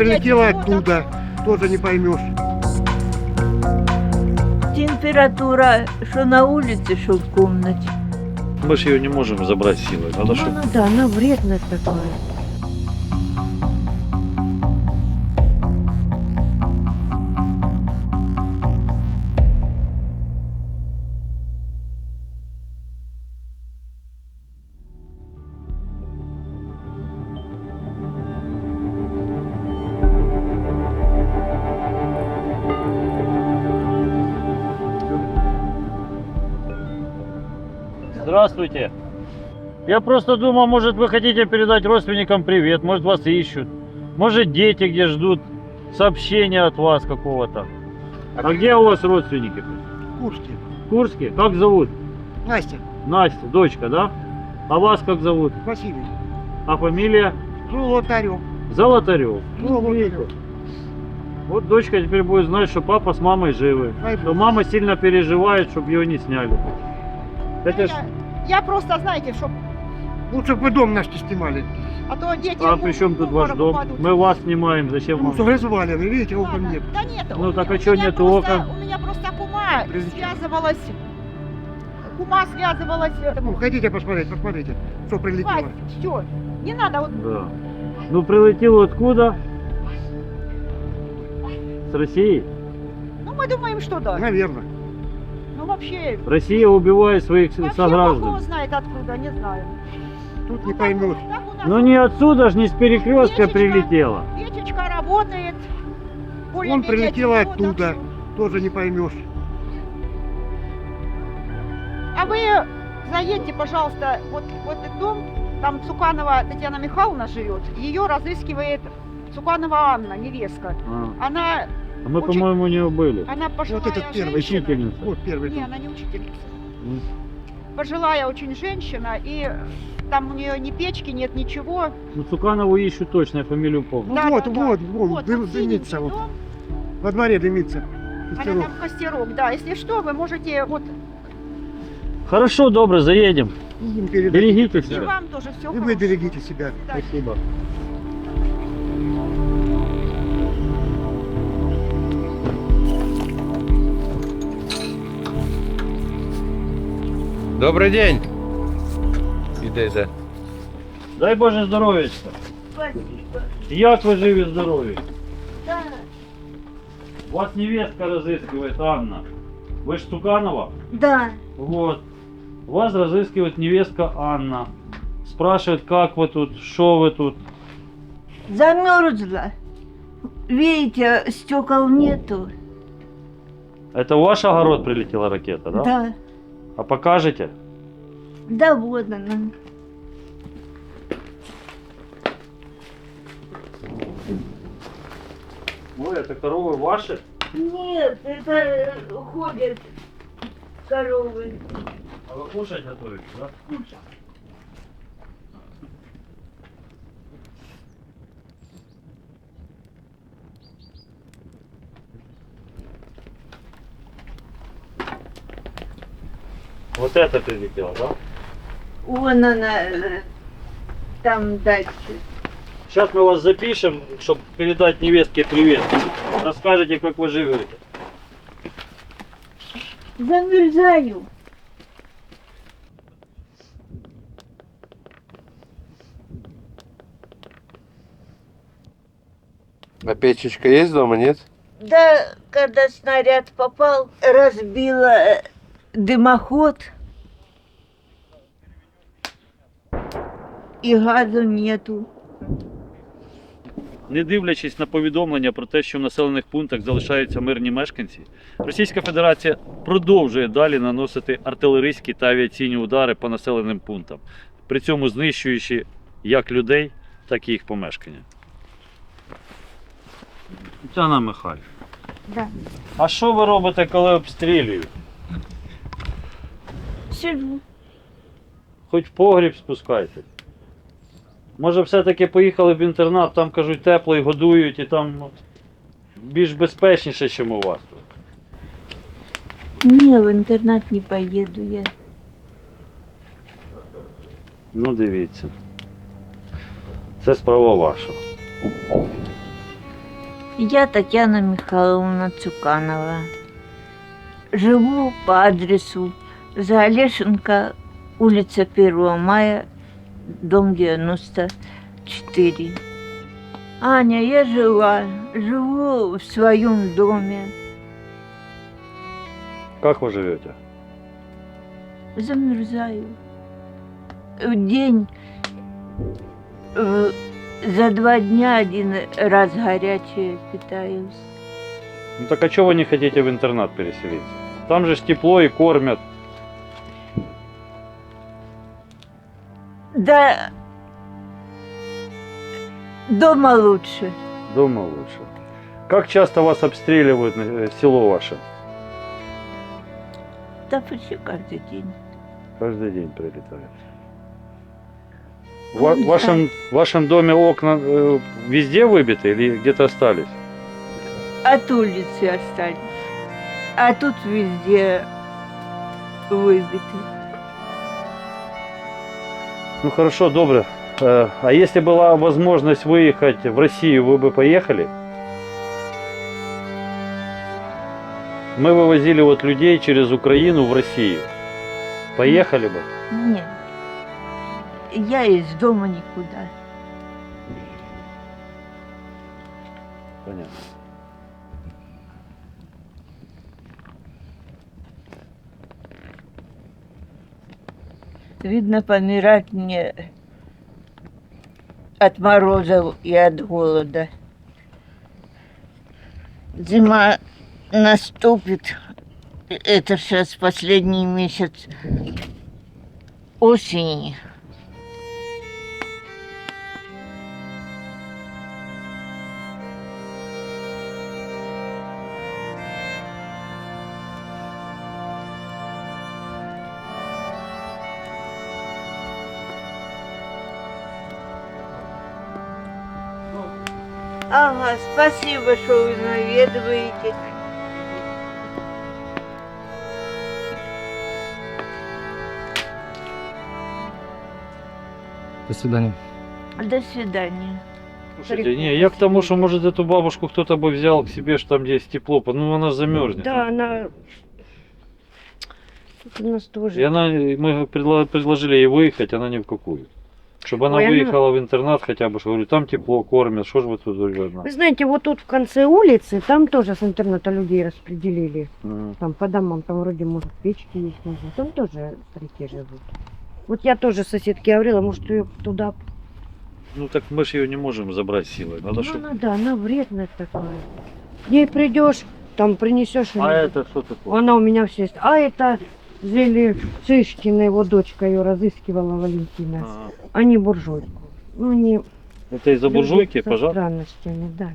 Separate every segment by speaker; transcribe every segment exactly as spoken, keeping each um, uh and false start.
Speaker 1: прилетела оттуда, тоже не поймешь.
Speaker 2: Температура, что на улице, что в комнате.
Speaker 3: Мы же ее не можем забрать силой. Надо,
Speaker 2: Ну,
Speaker 3: чтобы...
Speaker 2: ну да, она вредно такое.
Speaker 3: Здравствуйте. Я просто думал, может, вы хотите передать родственникам привет, может, вас ищут. Может, дети где ждут сообщения от вас какого-то. А где у вас родственники?
Speaker 1: Курске.
Speaker 3: В Курске? Как зовут?
Speaker 1: Настя,
Speaker 3: Настя, дочка, да? А вас как зовут?
Speaker 1: Василий.
Speaker 3: А фамилия?
Speaker 1: Золотарев.
Speaker 3: Золотарев.
Speaker 1: Золотарев.
Speaker 3: Вот дочка теперь будет знать, что папа с мамой живы.
Speaker 1: Дай
Speaker 3: Но
Speaker 1: Бог.
Speaker 3: мама сильно переживает, чтобы ее не сняли. Это ж...
Speaker 4: Я, я просто, знаете, чтоб,
Speaker 1: Лучше бы вы дом наш не снимали.
Speaker 4: а то дети...
Speaker 3: А
Speaker 4: в-
Speaker 3: при чем
Speaker 4: в
Speaker 3: тут ваш
Speaker 4: обморок
Speaker 3: дом?
Speaker 4: упадут.
Speaker 3: Мы вас снимаем, зачем
Speaker 1: Ну,
Speaker 3: вам?
Speaker 1: что развалины, видите, окон
Speaker 4: Ладно.
Speaker 1: нет.
Speaker 4: Да нет,
Speaker 3: Ну,
Speaker 4: у
Speaker 3: так
Speaker 4: меня-
Speaker 3: а чё
Speaker 4: у меня
Speaker 3: нету
Speaker 4: просто-
Speaker 3: окон?
Speaker 4: У меня просто кума
Speaker 1: Прилетела.
Speaker 4: связывалась... Кума связывалась...
Speaker 1: Ну, хотите посмотреть, посмотрите, что прилетело.
Speaker 4: все, не надо вот...
Speaker 3: Да. Ну прилетел откуда? С России?
Speaker 4: Ну, мы думаем, что да.
Speaker 1: Наверное.
Speaker 4: Ну, вообще...
Speaker 3: Россия убивает своих
Speaker 4: Вообще,
Speaker 3: сограждан.
Speaker 4: Бог его знает откуда, не знаю.
Speaker 1: Тут
Speaker 4: Ну,
Speaker 1: не
Speaker 4: так-
Speaker 1: поймешь.
Speaker 4: так у нас
Speaker 3: Ну не отсюда ж, не с перекрестка
Speaker 4: Печечка.
Speaker 3: прилетела.
Speaker 4: Печечка работает.
Speaker 1: Он
Speaker 4: более-менее
Speaker 1: прилетел
Speaker 4: тепло, так
Speaker 1: оттуда,
Speaker 4: что-
Speaker 1: тоже не поймешь.
Speaker 4: А вы заедьте, пожалуйста, вот, вот этот дом, там Цуканова Татьяна Михайловна живет, ее разыскивает Цуканова Анна, невестка.
Speaker 3: А,
Speaker 4: Она,
Speaker 3: а мы,
Speaker 4: Очень-
Speaker 3: по-моему, у нее были.
Speaker 4: она пожилая
Speaker 1: Вот этот первый
Speaker 4: женщина.
Speaker 3: Учительница.
Speaker 1: Вот первый
Speaker 4: Не,
Speaker 1: дом.
Speaker 4: она не учительница.
Speaker 3: М.
Speaker 4: Пожилая очень женщина, и там у нее ни печки нет, ничего.
Speaker 3: Ну Цуканову ищу точно, я фамилию помню.
Speaker 1: Ну
Speaker 4: Да,
Speaker 1: вот,
Speaker 4: да, да.
Speaker 1: вот, вон,
Speaker 4: Вот,
Speaker 1: дым-
Speaker 4: вот
Speaker 1: дымится
Speaker 4: синенький
Speaker 1: вот.
Speaker 4: дом,
Speaker 1: Во дворе дымится.
Speaker 4: она
Speaker 1: Костерок.
Speaker 4: там костерок, да. Если что, вы можете, вот,
Speaker 3: Хорошо, добре, заедем.
Speaker 1: Им передадите
Speaker 3: Берегите
Speaker 4: и
Speaker 1: тогда.
Speaker 3: себя.
Speaker 4: вам тоже все
Speaker 1: И вы берегите себя.
Speaker 3: Спасибо.
Speaker 5: Добрий день. Іде, йде.
Speaker 3: Дай Боже здоров'ячка.
Speaker 2: Спасибо.
Speaker 3: Як ви живі здорові?
Speaker 2: Да,
Speaker 3: Вас невестка разыскивает, Анна. Вы ж Цуканова?
Speaker 2: да.
Speaker 3: Вот. Вас разыскивает невестка Анна. Спрашивает, как вы тут, что вы тут.
Speaker 2: Замерзла. Видите, стекол нету.
Speaker 3: Это в ваш огород прилетела ракета, да?
Speaker 2: Да.
Speaker 3: А покажете?
Speaker 2: Да вот она.
Speaker 3: Ой, это коровы ваши?
Speaker 2: Нет, это э, ходят коровы.
Speaker 3: А вы кушать готовите, да? Вот это прилетело, да?
Speaker 2: Вон она, э, там дальше.
Speaker 3: Сейчас мы вас запишем, чтобы передать невестке привет. Расскажете, как вы живете.
Speaker 2: Замерзаю.
Speaker 5: А печечка есть дома, нет?
Speaker 2: Да, когда снаряд попал, разбила э, дымоход. И газу нету.
Speaker 3: Не дивлячись на повідомлення про те, що в населених пунктах залишаються мирні мешканці, Російська Федерація продовжує далі наносити артилерійські та авіаційні удари по населеним пунктам, при цьому знищуючи як людей, так і їх помешкання. Тетяна Михайлівна,
Speaker 2: Да.
Speaker 3: а що ви робите, коли обстрілюють?
Speaker 2: Сижу.
Speaker 3: Хоч в погріб спускайтесь. Може все-таки поїхали в інтернат, там кажуть тепло і годують, і там ну, більш безпечніше, ніж у вас тут.
Speaker 2: Не, в интернат не поеду я.
Speaker 3: Ну дивіться. Це справа ваша.
Speaker 2: Я Татьяна Михайловна Цуканова. Живу по адресу Заолешенко, улица первого мая, дом девяносто четыре. Аня, я жила, живу в своем доме.
Speaker 3: Как вы живете?
Speaker 2: Замерзаю. В день э, за два дня один раз горячее питаюсь.
Speaker 3: Ну так а чего вы не хотите в интернат переселиться? Там же ж тепло и кормят.
Speaker 2: Да дома лучше.
Speaker 3: Дома лучше. Как часто вас обстреливают э, село ваше?
Speaker 2: Да почти каждый день.
Speaker 3: Каждый день прилетает. В ва- вашем, в вашем доме окна э, везде выбиты или где-то остались?
Speaker 2: От улицы остались. А тут везде выбиты.
Speaker 3: Ну хорошо, добре. Э, а если была возможность выехать в Россию, вы бы поехали? Мы вывозили вот людей через Украину в Россию. Поехали бы?
Speaker 2: Нет. Я из дома никуда.
Speaker 3: Понятно.
Speaker 2: Видно, помирать мне от морозов и от голода. Зима наступит. Это сейчас последний месяц осени. Ага, спасибо, что вы наведываете.
Speaker 6: До свидания.
Speaker 2: До свидания.
Speaker 3: Слушайте, не, я к тому, что может эту бабушку кто-то бы взял к себе, что там где есть тепло, ну она замерзнет.
Speaker 7: Да, она... Тут у нас тоже...
Speaker 3: И она, мы предло- предложили ей выехать, она ни в какую. Чтобы она
Speaker 7: Ой, она-
Speaker 3: выехала в интернат хотя бы, что говорю, там тепло, кормят, что ж вы тут одна?
Speaker 7: Вы знаете, вот тут в конце улицы, там тоже с интерната людей распределили.
Speaker 3: Мгм.
Speaker 7: Там по домам, там вроде, может, печки есть, нужно. Там тоже старики живут. Вот я тоже соседке говорила, может, ее туда...
Speaker 3: Ну так мы же ее не можем забрать силой. Надо,
Speaker 7: Ну,
Speaker 3: чтоб-
Speaker 7: надо, она вредная такая. К ней придешь, там принесешь.
Speaker 3: А это что такое?
Speaker 7: Она у меня все есть. А это Зели Цышкина, его дочка ее разыскивала, Валентина.
Speaker 3: Ага.
Speaker 7: Они буржуйку. Ну, они...
Speaker 3: Это из-за буржуйки,
Speaker 7: Люди со
Speaker 3: пожалуйста.
Speaker 7: странностями, да.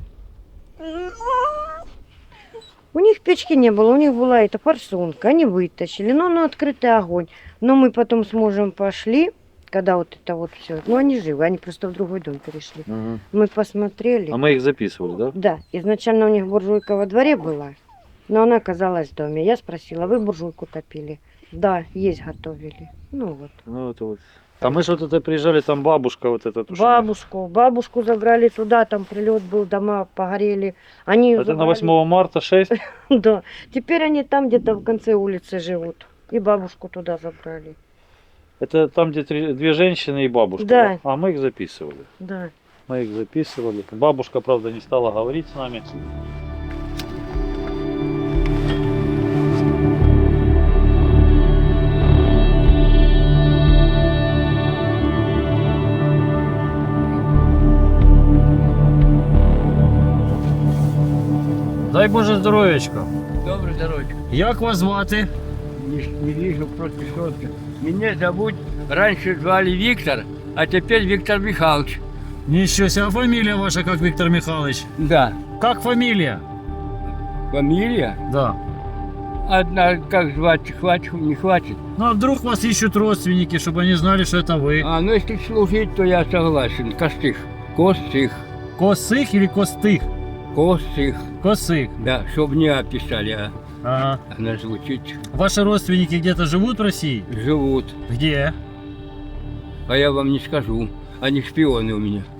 Speaker 7: У них печки не было, у них была эта форсунка, они вытащили, но на открытый огонь. Но мы потом с мужем пошли, когда вот это вот все. Ну, они живы, они просто в другой дом перешли.
Speaker 3: Мгм.
Speaker 7: Мы посмотрели.
Speaker 3: А мы их записывали, да?
Speaker 7: Да, изначально у них буржуйка во дворе была, но она оказалась в доме. Я спросила, вы буржуйку топили? Да, есть готовили. Ну вот.
Speaker 3: Ну это вот. А мы же вот это приезжали, там бабушка вот эта. тушила.
Speaker 7: Бабушку, бабушку забрали туда, там прилет был, дома погорели. Они её
Speaker 3: Это на
Speaker 7: забрали.
Speaker 3: восьмого марта шесть.
Speaker 7: Да. Теперь они там где-то в конце улицы живут. И бабушку туда забрали.
Speaker 3: Это там, где три- две женщины и бабушка.
Speaker 7: Да.
Speaker 3: А мы их записывали.
Speaker 7: Да.
Speaker 3: Мы их записывали. Бабушка, правда, не стала говорить с нами. Дай Боже здоров'ячка.
Speaker 8: Доброе здоровье.
Speaker 3: Як вас звати?
Speaker 8: Не, не вижу просто четко. Меня зовут, раньше звали Виктор, а теперь Виктор Михайлович.
Speaker 9: Ничего себе, а фамилия ваша как, Виктор Михайлович?
Speaker 8: Да.
Speaker 9: Как фамилия?
Speaker 8: Фамилия?
Speaker 9: Да.
Speaker 8: Одна, как звать, хватит, не хватит.
Speaker 9: Ну а вдруг вас ищут родственники, чтобы они знали, что это вы?
Speaker 8: А, ну если служить, то я согласен. Костых. Костых.
Speaker 9: Косых или Костых?
Speaker 8: Костых.
Speaker 9: Косых.
Speaker 8: Да, чтобы не описали, а
Speaker 9: Ага.
Speaker 8: она звучит.
Speaker 9: Ваши родственники где-то живут в России?
Speaker 8: Живут.
Speaker 9: Где?
Speaker 8: А я вам не скажу. Они шпионы у меня.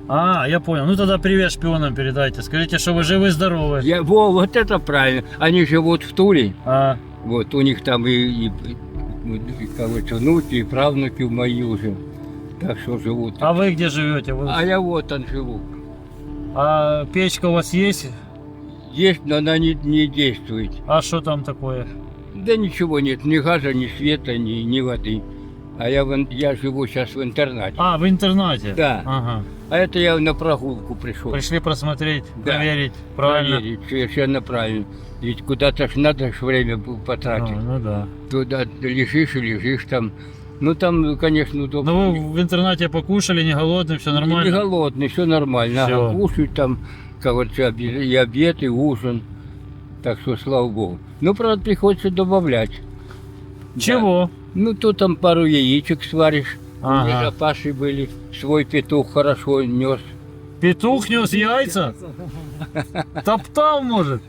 Speaker 9: А, я понял. Ну тогда привет шпионам передайте. Скажите, что вы живы-здоровы.
Speaker 8: Я, во, вот это правильно. Они живут в Туле.
Speaker 9: А,
Speaker 8: Вот у них там и, и, и, и, короче, внуки, и правнуки мои уже. Так что живут.
Speaker 9: а вы где живете? Вы-
Speaker 8: А я вот там живу.
Speaker 9: А печка у вас есть?
Speaker 8: Есть, но она не, не действует.
Speaker 9: А что там такое?
Speaker 8: Да ничего нет, ни газа, ни света, ни, ни воды. А я, в ин- я живу сейчас в интернате.
Speaker 9: А, в интернате?
Speaker 8: Да.
Speaker 9: Ага.
Speaker 8: А это я на прогулку пришел.
Speaker 9: Пришли просмотреть,
Speaker 8: Да.
Speaker 9: проверить. Правильно?
Speaker 8: Проверить, совершенно правильно. Ведь куда-то ж надо ж время было
Speaker 9: А,
Speaker 8: потратить.
Speaker 9: ну да.
Speaker 8: Туда лежишь и лежишь там. Ну там, конечно, удобно.
Speaker 9: Ну вы в интернате покушали, не голодный, все
Speaker 8: Не
Speaker 9: нормально?
Speaker 8: голодный, все нормально.
Speaker 9: Всё.
Speaker 8: Ага, кушать там, короче, обе- и обед, и ужин. Так что, слава богу. Ну, правда, приходится добавлять.
Speaker 9: Чего?
Speaker 8: Ну, то там пару яичек сваришь.
Speaker 9: Ага.
Speaker 8: У меня запасы были. Свой петух хорошо нес.
Speaker 9: Петух нес яйца? Топтал, может?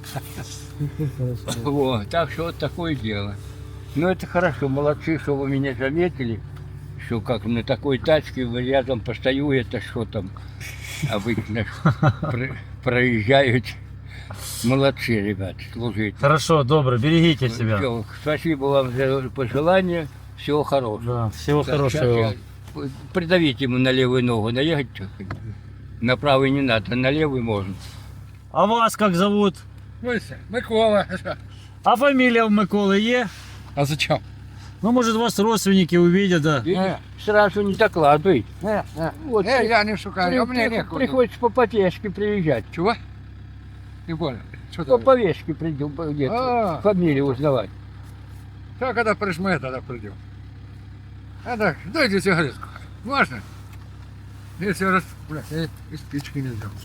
Speaker 8: Вот, так что вот такое дело. Ну, это хорошо, молодцы, что вы меня заметили, что как на такой тачке вы рядом постою, это что там обычно про- проезжают. Молодцы, ребят, служите.
Speaker 9: Хорошо, добро, берегите себя.
Speaker 8: Всё, спасибо вам за пожелания, всего хорошего.
Speaker 9: Да, всего
Speaker 8: Так,
Speaker 9: хорошего
Speaker 8: щас
Speaker 9: вам.
Speaker 8: я- Придавите ему на левую ногу, наехать чуть-чуть. На правую не надо, на левую можно.
Speaker 9: А вас как зовут?
Speaker 1: Микола.
Speaker 9: А фамилия у Миколы е?
Speaker 1: А зачем?
Speaker 9: Ну, может, вас родственники увидят, да.
Speaker 8: Видишь, сразу не докладывай.
Speaker 1: Не, не.
Speaker 8: Вот,
Speaker 1: Не, я не шукаю, а мне
Speaker 8: при-
Speaker 1: некуда.
Speaker 8: приходится по повестке приезжать.
Speaker 1: Чего? Не понял. Что
Speaker 8: По
Speaker 1: ты?
Speaker 8: повестке придем, где-то
Speaker 1: А,
Speaker 8: фамилию узнавать.
Speaker 1: то когда прижмет, тогда придем. Это, дайте сигаретку. Можно? Если раз, блядь, я и спички не взял.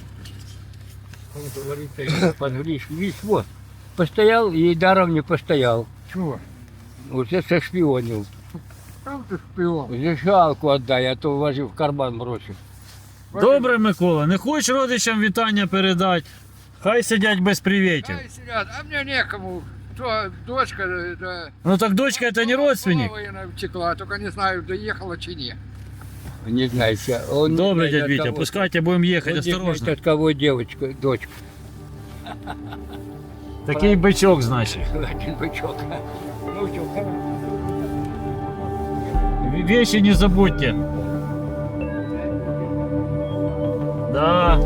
Speaker 8: Подгришь, видишь, вот. Постоял и даром не постоял.
Speaker 1: Чего?
Speaker 8: Уже сошпионил.
Speaker 1: Там ты шпион.
Speaker 8: Уже жалку отдай, а то вложи в карман бросив.
Speaker 9: Добре, Микола, не хочеш родичам вітання передати? Хай сидять без привітів.
Speaker 1: Ай, сидят, а мне некому. То дочка, это...
Speaker 9: Ну так дочка это не родственник.
Speaker 1: Половина втекла, только не знаю, доехала чи не.
Speaker 8: Не знаю, ща- он не
Speaker 9: Добре,
Speaker 8: знает,
Speaker 9: дядь
Speaker 8: от
Speaker 9: Витя,
Speaker 8: кого.
Speaker 9: пускайте, будем
Speaker 8: Он
Speaker 9: ехать
Speaker 8: не знает,
Speaker 9: осторожно.
Speaker 8: от кого девочка, дочка.
Speaker 9: Такий бичок, значить.
Speaker 8: Один бычок. Ну что,
Speaker 9: В- Вещи не забудьте. Да.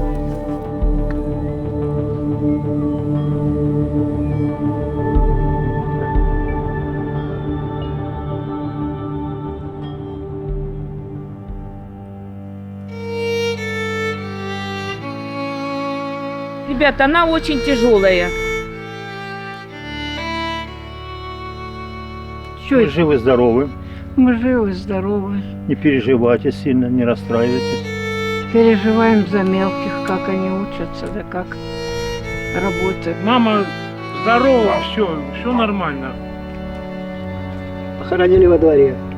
Speaker 2: Ребята, она очень тяжелая. Что
Speaker 6: Вы
Speaker 2: это?
Speaker 6: живы-здоровы,
Speaker 2: Мы живы, здоровы.
Speaker 6: не переживайте сильно, не расстраивайтесь.
Speaker 2: Переживаем за мелких, как они учатся, да как работают.
Speaker 10: Мама здорова, все, все нормально.
Speaker 1: Похоронили во дворе.